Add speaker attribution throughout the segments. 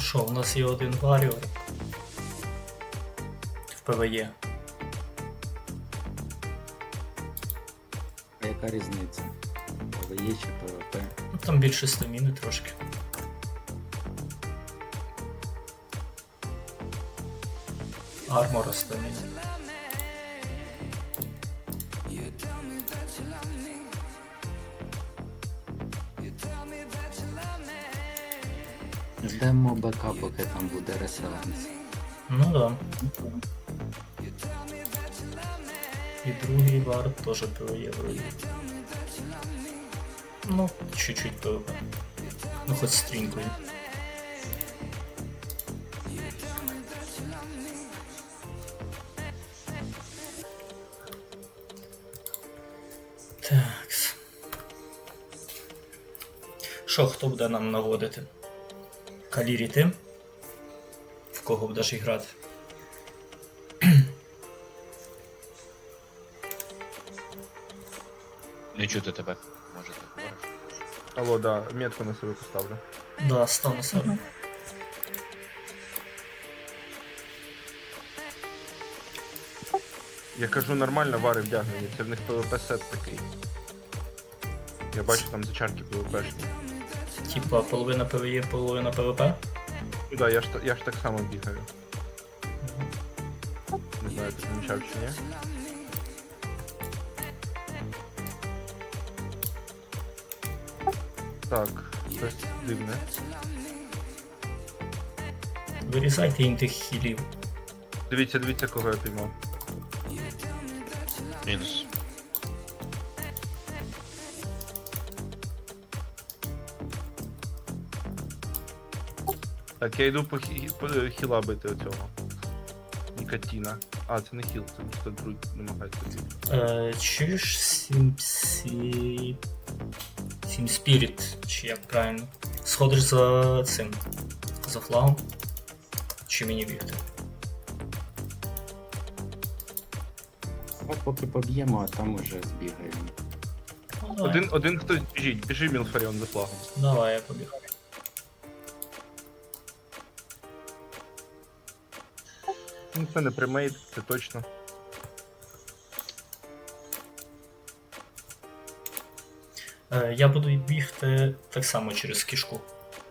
Speaker 1: що, у нас є один варіор в ПВЕ.
Speaker 2: А яка різниця? ПВЕ чи ПВП?
Speaker 1: Ну, там більше стаміни трошки. Армора стаміни.
Speaker 2: Ждемо БК, поки там буде реселенс.
Speaker 1: Ну да. І другий вард теж ПВЕ вроді. Ну, чуть-чуть ПВП. Ну, хоть стрінкою. Такс. Що, хто буде нам наводити? Калірі ти? В кого будеш грати?
Speaker 3: Не чути тебе. Може ти говориш?
Speaker 4: Алло, да, метку на себе поставлю.
Speaker 1: Да, став на себе.
Speaker 4: Я кажу, нормально вари вдягнені, це в них ПВП сет такий. Я бачу там зачарки ПВПшні.
Speaker 1: Типа половина ПВЕ, половина ПВП.
Speaker 4: Ну да, я ж так само бігаю. Не знаю, ти помічав чи ні. Так, щось дивне.
Speaker 1: Вирізайте їм тих хілів.
Speaker 4: Дивіться, кого я піймав.
Speaker 3: Мінус.
Speaker 4: Так, я йду по хіла бити оцього. Нікотіна. А, це не хіл, це просто друг намагається бити.
Speaker 1: Чуєш Сім Спіріт, чи як правильно? Сходиш за цим. За флагом. Чи мені бігти?
Speaker 2: От поки поб'ємо, а там уже збігаємо.
Speaker 1: Ну, давай.
Speaker 4: Один хтось біжить, біжи Мілфаріон за флагом.
Speaker 1: Давай, я побіг.
Speaker 4: Ну це не примейт, це точно.
Speaker 1: Я буду бігти так само через кішку.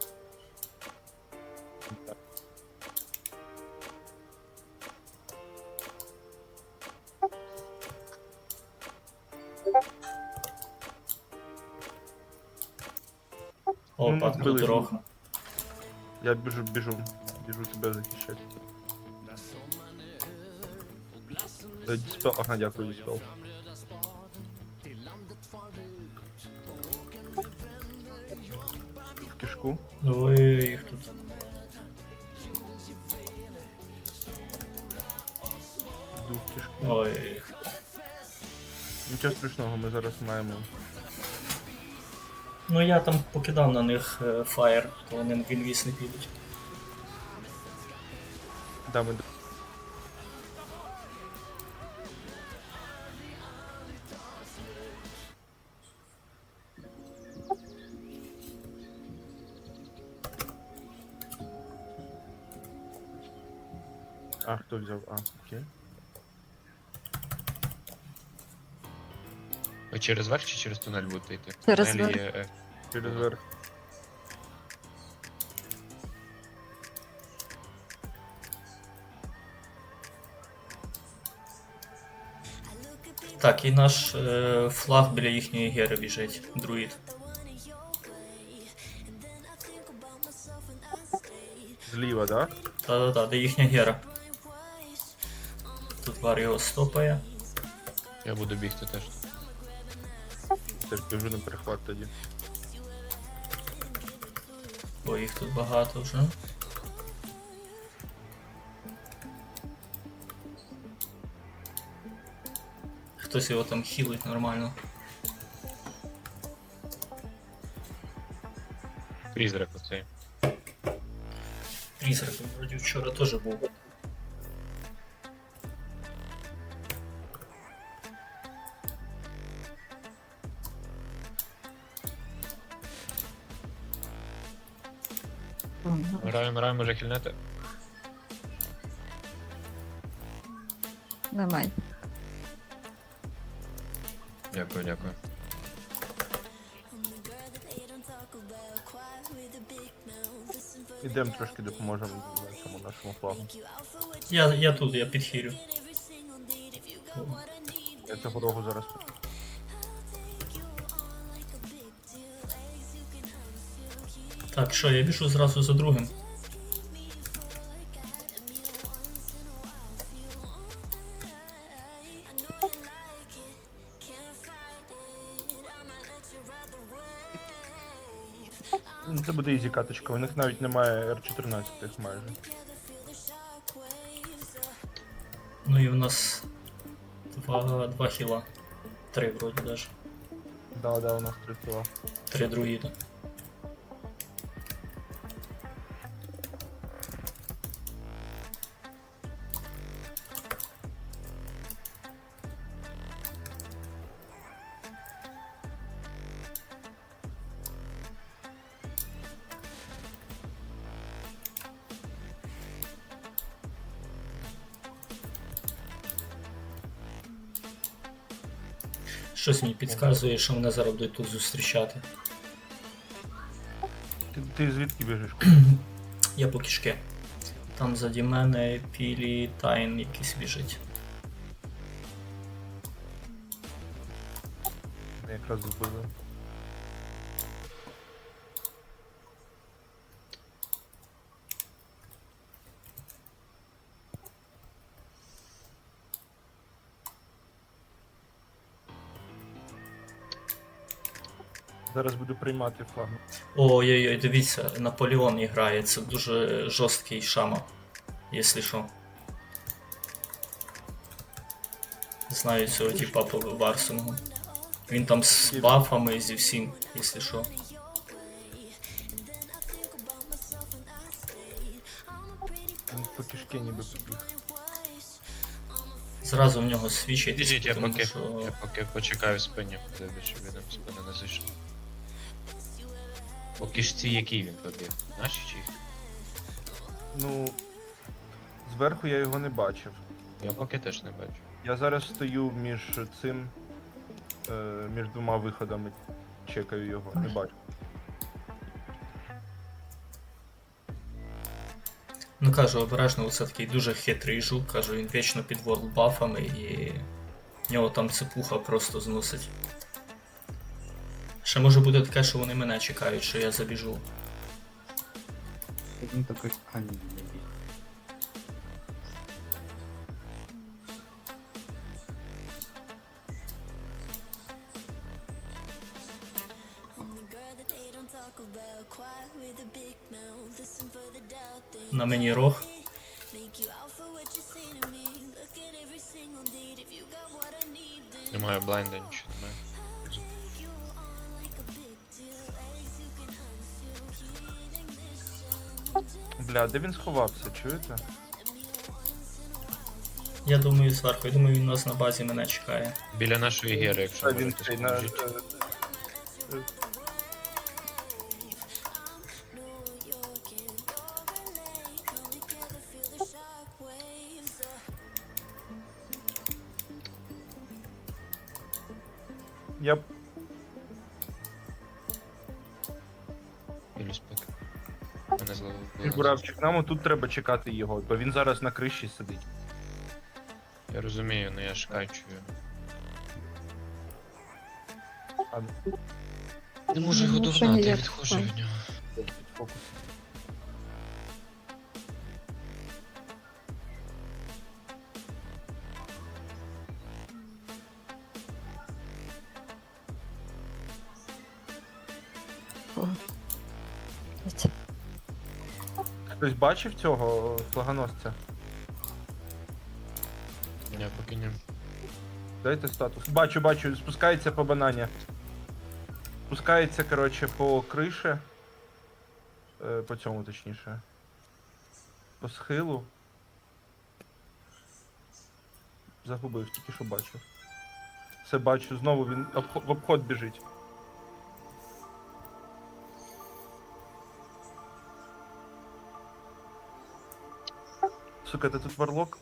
Speaker 1: Опа,
Speaker 4: Ну,
Speaker 1: тут
Speaker 4: збили.
Speaker 1: дорога.
Speaker 4: Я біжу тебе захищати. Діспел, ага, дякую, діспел. В кишку.
Speaker 1: Ой, їх тут.
Speaker 4: Йду в кишку.
Speaker 1: Ой.
Speaker 4: Нічого страшного, ми зараз маємо.
Speaker 1: Ну я там покидав на них фаєр, то вони в інвіз не підуть.
Speaker 4: Да, ми... А, хто взяв? А, окей.
Speaker 3: Ви через верх чи через тунель будете йти?
Speaker 5: Через
Speaker 3: Тунель
Speaker 5: верх.
Speaker 3: є,
Speaker 4: Через верх.
Speaker 1: Так, і наш флаг біля їхньої гери біжить, друїд.
Speaker 4: Зліва, да?
Speaker 1: Та-та-та, де їхня гера. Тут вар його стопає.
Speaker 3: я буду бігти теж.
Speaker 4: Теж біжу на перехват тоді.
Speaker 1: Бо їх тут багато вже. Хтось його там хілить нормально.
Speaker 3: Призрак оцей.
Speaker 1: Призрак вроді вчора теж був.
Speaker 3: Мираю, може хильнете?
Speaker 5: Давай.
Speaker 3: Дякую.
Speaker 4: Ідемо трошки допоможемо цьому нашому флагу.
Speaker 1: Я тут, я підхилю.
Speaker 4: Я цього рогу зараз.
Speaker 1: Так, що, я біжу зразу за другим.
Speaker 4: Ну, це буде ізі каточка, у них навіть немає R14 майже.
Speaker 1: Ну і в нас два хіла. 3 вроді даже.
Speaker 4: Да, у нас 3 кіла.
Speaker 1: 3 друїда. Щось мені підказує, що мене зараз будуть тут зустрічати.
Speaker 4: Ти звідки біжиш?
Speaker 1: Я по кішки. Там заді мене пілі тайн якийсь біжить.
Speaker 4: Якраз збили. Зараз буду приймати флаг.
Speaker 1: Ой-ой-ой, дивіться, Наполеон грає, це дуже жорсткий шама, якщо що. Знаю цього типа по Варсингу. Він там з бафами зі всім, якщо що.
Speaker 4: Він по кишки ніби побіг.
Speaker 1: Зразу в нього свічить,
Speaker 3: Підійдіть, я
Speaker 1: тому
Speaker 3: поки,
Speaker 1: що
Speaker 3: я поки почекаю в спині, подивлюсь, щоб він в спину не зайшов. По кишці який він побіг? Наші чи їх?
Speaker 4: Ну, зверху я його не бачив.
Speaker 3: Я поки теж не бачу.
Speaker 4: Я зараз стою між цим, між двома виходами. Чекаю його, не бачу.
Speaker 1: Ну кажу, обережно, це такий дуже хитрий жук, кажу, він вічно під ворлбафами і в нього там цепуха просто зносить. Ще може бути таке, що вони мене чекають, що я забіжу.
Speaker 2: Він такий, а ні, не біг.
Speaker 1: На мені рог.
Speaker 3: Немає блайнда, нічого немає.
Speaker 4: Бля, де він сховався, чуєте?
Speaker 1: Я думаю, зверху, я думаю, він у нас на базі мене чекає.
Speaker 3: Біля нашої гери, якщо
Speaker 4: А він
Speaker 3: можете
Speaker 4: цей на.
Speaker 3: скажіть.
Speaker 4: Я
Speaker 3: Білю спеки. Мене зловили.
Speaker 4: Буравчик, нам тут треба чекати його, бо він зараз на криші сидить.
Speaker 3: Я розумію, але я ж кайчую.
Speaker 4: А,
Speaker 3: Не можу його
Speaker 5: Ну, це
Speaker 3: догнати, я
Speaker 5: ніяк.
Speaker 3: відходжу від нього.
Speaker 4: фокус. Хтось бачив цього флагоносця?
Speaker 3: Я поки не.
Speaker 4: Дайте статус. Бачу, спускається по банані. Спускається, коротше, по криші. По цьому точніше. По схилу. Загубив, тільки що бачив. Все бачу, знову він в обход біжить. Сука, ти тут варлок?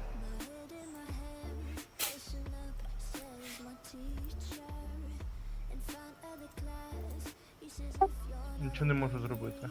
Speaker 4: Нічого не можу зробити.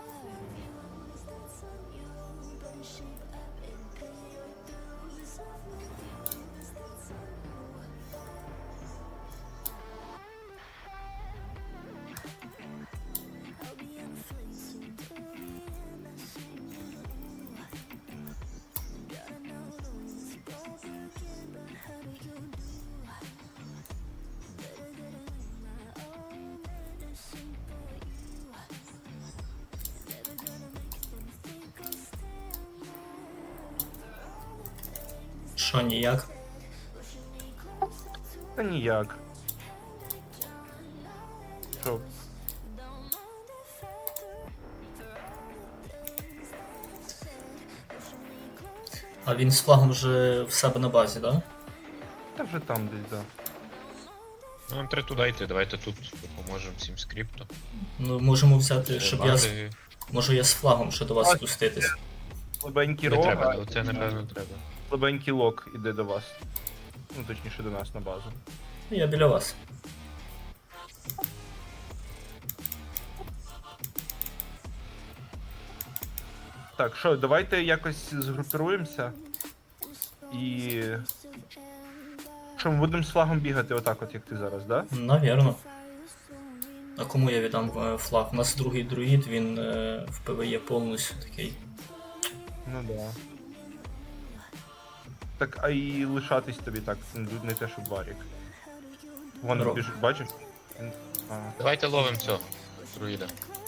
Speaker 1: Що, ніяк?
Speaker 4: Та ніяк. Що?
Speaker 1: А він з флагом вже в себе на базі, да?
Speaker 4: Та вже там десь, да.
Speaker 3: Ну, нам треба туди йти, давайте тут допоможемо всім скрипту.
Speaker 1: Ну, можемо взяти, щоб я...
Speaker 3: Бази-
Speaker 1: Можу я з флагом ще до вас спуститись.
Speaker 4: Слабенький
Speaker 3: Не
Speaker 4: рог,
Speaker 3: треба,
Speaker 4: а
Speaker 3: це напевно треба.
Speaker 4: слабенький лок іде до вас. Ну, точніше, до нас на базу.
Speaker 1: Я біля вас.
Speaker 4: Так, що, давайте якось згрупируємося. І... Що, ми будемо з флагом бігати отак от, як ти зараз, да?
Speaker 1: Навірно. А кому я віддам флаг? У нас другий друїд, він в ПВЕ повністю такий.
Speaker 4: Ну да. Так, а і лишатись тобі так, не те, що барік. Вон
Speaker 1: Роб.
Speaker 4: біжить, бачиш? А,
Speaker 3: Давайте ловимо цього друїда.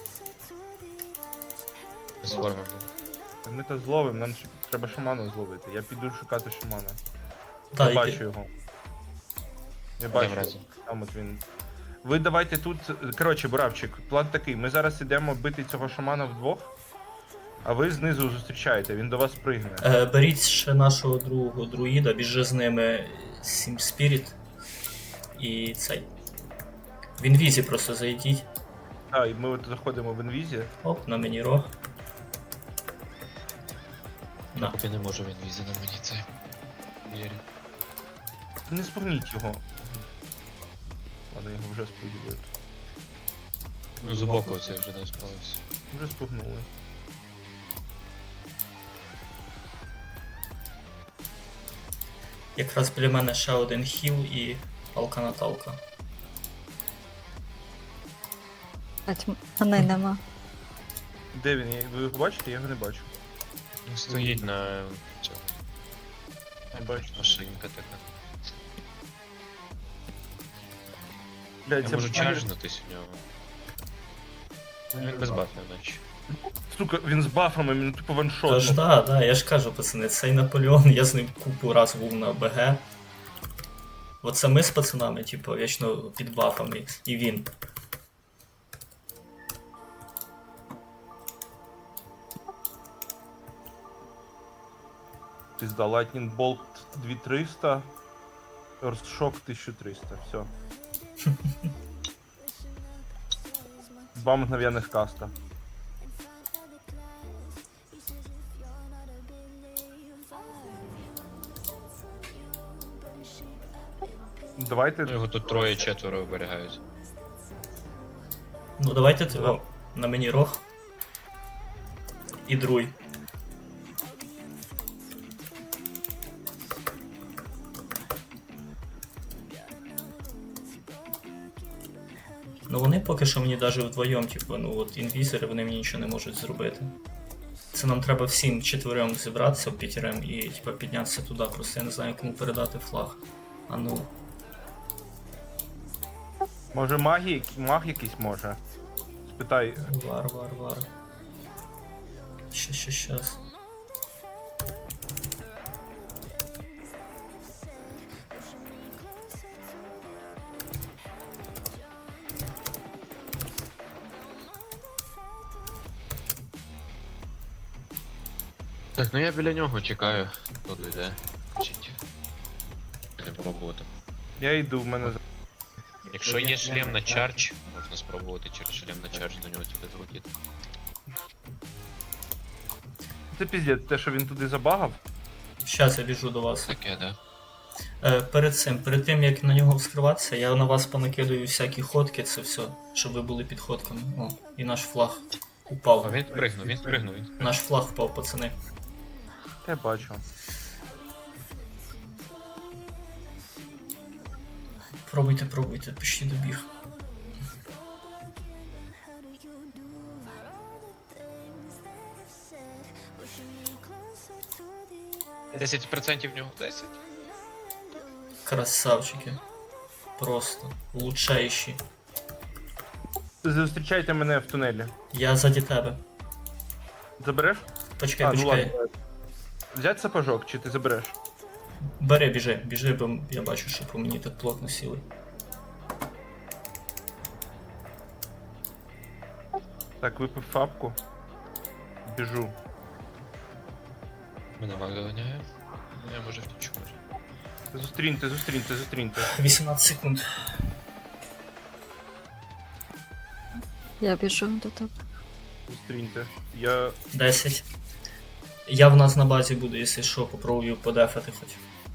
Speaker 3: З форми.
Speaker 4: ми то зловимо, нам треба шамана зловити. Я піду шукати шамана.
Speaker 1: Та,
Speaker 4: Я
Speaker 1: і-
Speaker 4: бачу його. Я бачу.
Speaker 3: разом.
Speaker 4: Там от він. Ви давайте тут. Коротше, Буравчик, план такий. Ми зараз ідемо бити цього шамана вдвох, а ви знизу зустрічаєте, він до вас пригне.
Speaker 1: Беріть ще нашого другого друїда, біжи з ними Сім Спіріт і цей. В інвізі просто зайдіть.
Speaker 4: Так, і ми от заходимо в інвізі.
Speaker 1: Оп, на мені рог. На.
Speaker 3: Поки не можу він візи на мені це. Вірю.
Speaker 4: Не спугніть його. Ладно, його вже спугнули.
Speaker 3: Ну, збоку це вже не справився.
Speaker 4: Вже спугнули.
Speaker 1: Якраз біля мене ще один хіл і палка Наталка.
Speaker 5: Мене нема.
Speaker 4: Де він? Ви його бачите? Я його не бачу.
Speaker 3: Ну, стоїть на цьому.
Speaker 4: Не бачу.
Speaker 3: Машинка така.
Speaker 4: Блядь,
Speaker 3: Я
Speaker 4: це
Speaker 3: можу
Speaker 4: баги-
Speaker 3: чаржнутись в нього. Він без бафів, наче.
Speaker 4: Сука, він з бафами, він тупо ваншот.
Speaker 1: Тож да, я ж кажу, пацани, цей Наполеон, я з ним купу раз був на БГ. Оце ми з пацанами, типу, вічно під бафами, і він.
Speaker 4: Пизда, Lightning Bolt 2300, Earthshock 1300, все. Два мгновенных каста. Давайте.
Speaker 3: Ну, його тут троє-четверо оберігають.
Speaker 1: Ну давайте о, на мені рог. І друй. Ну вони поки що мені навіть вдвоєм, типу, ну от інвізори, вони мені нічого не можуть зробити. Це нам треба всім четвером зібратися в п'ятерем і типу, піднятися туди, просто я не знаю, кому передати флаг. А ну.
Speaker 4: Може маг якийсь може? Спитай.
Speaker 1: Вар. Щас.
Speaker 3: Так, ну я біля нього чекаю, хто дойде. Вчить. Не пробувати.
Speaker 4: Я йду, в мене.
Speaker 3: Якщо є шлем на чардж, можна спробувати через шлем на чардж до нього тільки залетіти.
Speaker 4: це піздець, те, що він туди забагав.
Speaker 1: Щас я біжу до вас.
Speaker 3: Таке, да.
Speaker 1: Перед тим як на нього вскриватися, я на вас понакидаю всякі ходки, це все, щоб ви були під ходками. О, і наш флаг
Speaker 3: О,
Speaker 1: упав.
Speaker 3: він спригнув, він спригнув.
Speaker 1: Наш флаг впав, пацани.
Speaker 4: Я бачу.
Speaker 1: Пробуйте, почти добіг.
Speaker 3: 10% в нього. 10.
Speaker 1: Красавчики. Просто. Лучшейші.
Speaker 4: Зустрічайте мене в тунелі.
Speaker 1: Я заді тебе.
Speaker 4: Забереш?
Speaker 1: Почекай.
Speaker 4: ладно. Взять сапожок, чи ти забереш?
Speaker 1: Бери, біжи, бо я бачу, що по мені так плотно сіли.
Speaker 4: Так, випив фапку. Біжу.
Speaker 3: Мене маг доганяє. Я може втічу, може.
Speaker 4: Зустріньте.
Speaker 1: 18 секунд.
Speaker 5: Я біжу до тебе.
Speaker 4: Зустріньте. Я
Speaker 1: 10. Я в нас на базі буду, якщо що, попробую подефати хоч.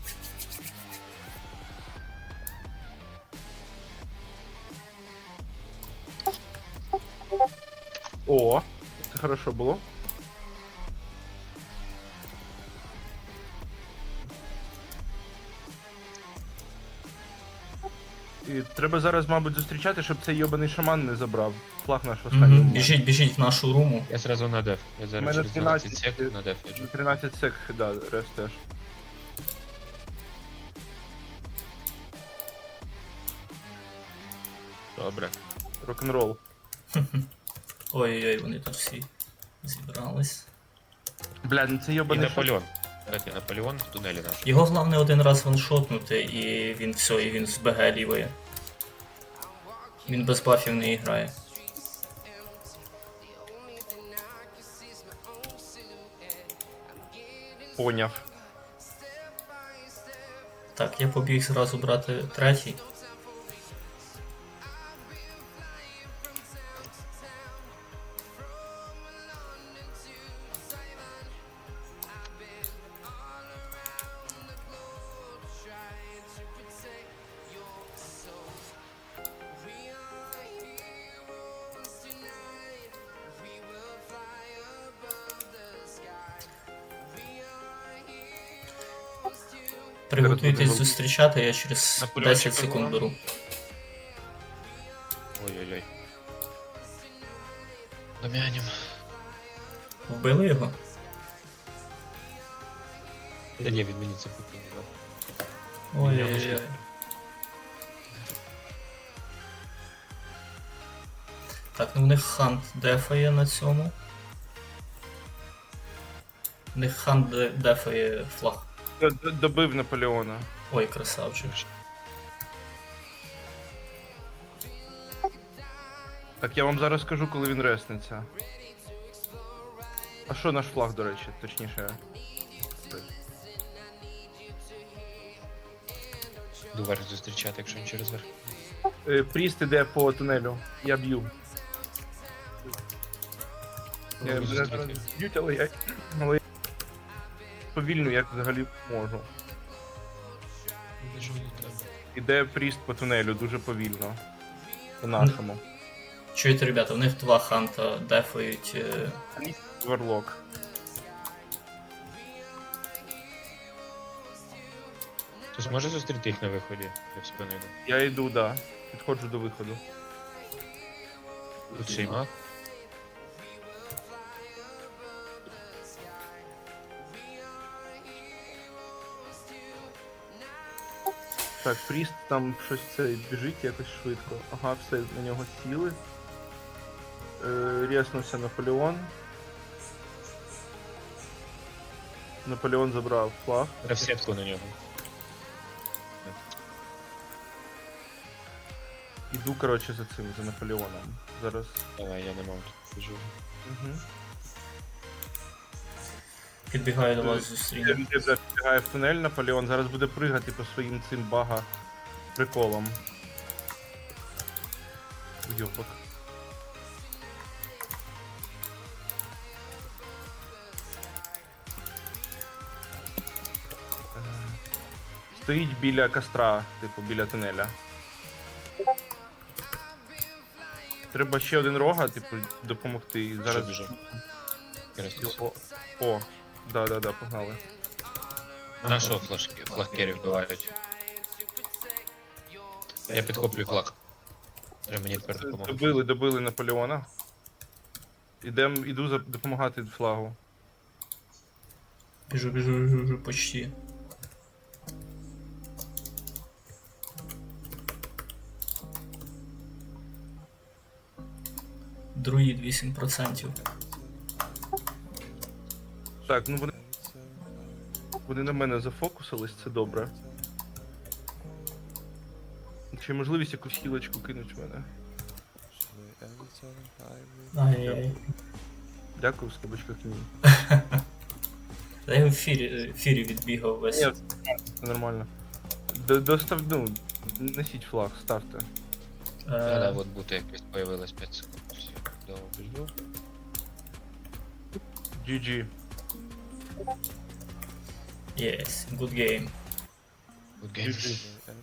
Speaker 4: О, це хорошо було. І треба зараз, мабуть, зустрічати, щоб цей йобаний шаман не забрав. Флаг наш останній.
Speaker 1: Біжіть в нашу руму.
Speaker 3: Я сразу на деф. Я
Speaker 4: У
Speaker 3: зараз
Speaker 4: мене
Speaker 3: через 12
Speaker 4: 12
Speaker 3: сек на деф яджу.
Speaker 4: 13 сек, да, рес теж.
Speaker 3: Добре.
Speaker 4: Рок-н-рол.
Speaker 1: Ой-ой-ой, вони тут всі зібрались.
Speaker 4: Бля, ну це
Speaker 3: І
Speaker 4: йобаний
Speaker 3: Наполеон. Дайте Наполеон в тунелі наш.
Speaker 1: Його головне один раз ваншотнути, і він все, і він з БГ лівої. Він без бафів не грає.
Speaker 4: Поняв.
Speaker 1: Так, я побіг зразу брати третій. Приготуйтесь зустрічати, я через
Speaker 3: Наполеончик
Speaker 1: 10 секунд беру.
Speaker 3: Ой-ой-ой. Домянем.
Speaker 1: Вбили його?
Speaker 3: Та ні, він мені це купив, да.
Speaker 1: Ой-ой-ой. Так, ну в них хант дефає на цьому. В них хант дефає флаг.
Speaker 4: Добив Наполеона.
Speaker 1: Ой, красавчик.
Speaker 4: Так, я вам зараз скажу, коли він реснеться. А що наш флаг, до речі, точніше?
Speaker 3: Йду верх зустрічати, якщо він через верх.
Speaker 4: Пріст іде по тунелю. Я б'ю. Я
Speaker 3: Можу
Speaker 4: мене
Speaker 3: зустріти.
Speaker 4: зараз б'ють, але я повільно, як взагалі можу.
Speaker 3: Біжу до тебе.
Speaker 4: Іде пріст по тунелю дуже повільно. По нашому.
Speaker 1: Чуєте, ребята, в них два ханта дефають.
Speaker 4: Варлок.
Speaker 3: Хтось може зустріти їх на виході? Я в спину йду.
Speaker 4: Я йду, да. Підходжу до виходу.
Speaker 3: Тут ще й маг.
Speaker 4: Так, Пріст там щось це біжить якось швидко. Ага, все, на нього сіли. Рєснувся Наполеон. Наполеон забрав флаг.
Speaker 3: В сетку на нього.
Speaker 4: Іду, коротше, за цим, за Наполеоном. Зараз.
Speaker 3: Давай, я не можу. Біжу.
Speaker 4: Угу.
Speaker 1: Підбігаю до вас зустріну.
Speaker 4: Він забігає в тунель, Наполеон зараз буде пригати по своїм цим бага приколам. Йопак. Стоїть біля костра, типу, біля тунеля. Треба ще один рога, типу, допомогти. І зараз.
Speaker 3: Біжу. Красиво.
Speaker 4: О, да, погнали.
Speaker 3: На що флагкері вбивають? Я підхоплюю флаг. Треба мені тепер допомогти.
Speaker 4: Добили Наполеона. Іду допомагати флагу.
Speaker 1: Біжу, почти. Друїд 8%.
Speaker 4: Так, ну вони на мене зафокусились, це добре. Чи є можливість якусь хілочку кинуть в мене?
Speaker 1: Ай-яй.
Speaker 4: Дякую, в скобочках ні.
Speaker 1: Та я в фірі відбігав весь.
Speaker 4: Ні, це нормально. Ну, несіть флаг, ставте.
Speaker 3: Да, от бути якось появилось 5 секунд. Все, довго біжу.
Speaker 4: GG.
Speaker 1: Yes, good game.
Speaker 3: Good game.
Speaker 4: GG.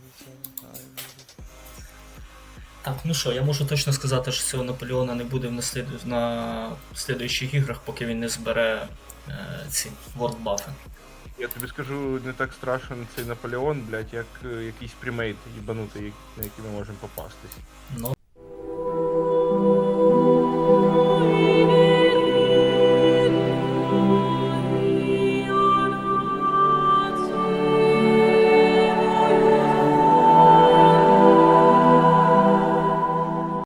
Speaker 1: Так, ну що, я можу точно сказати, що цього Наполеона не буде на слідуючих іграх, поки він не збере ці вордбафи.
Speaker 4: Я тобі скажу, не так страшен цей Наполеон, блядь, як якийсь прімейт їбанутий, на який ми можемо попастись.
Speaker 1: Ну,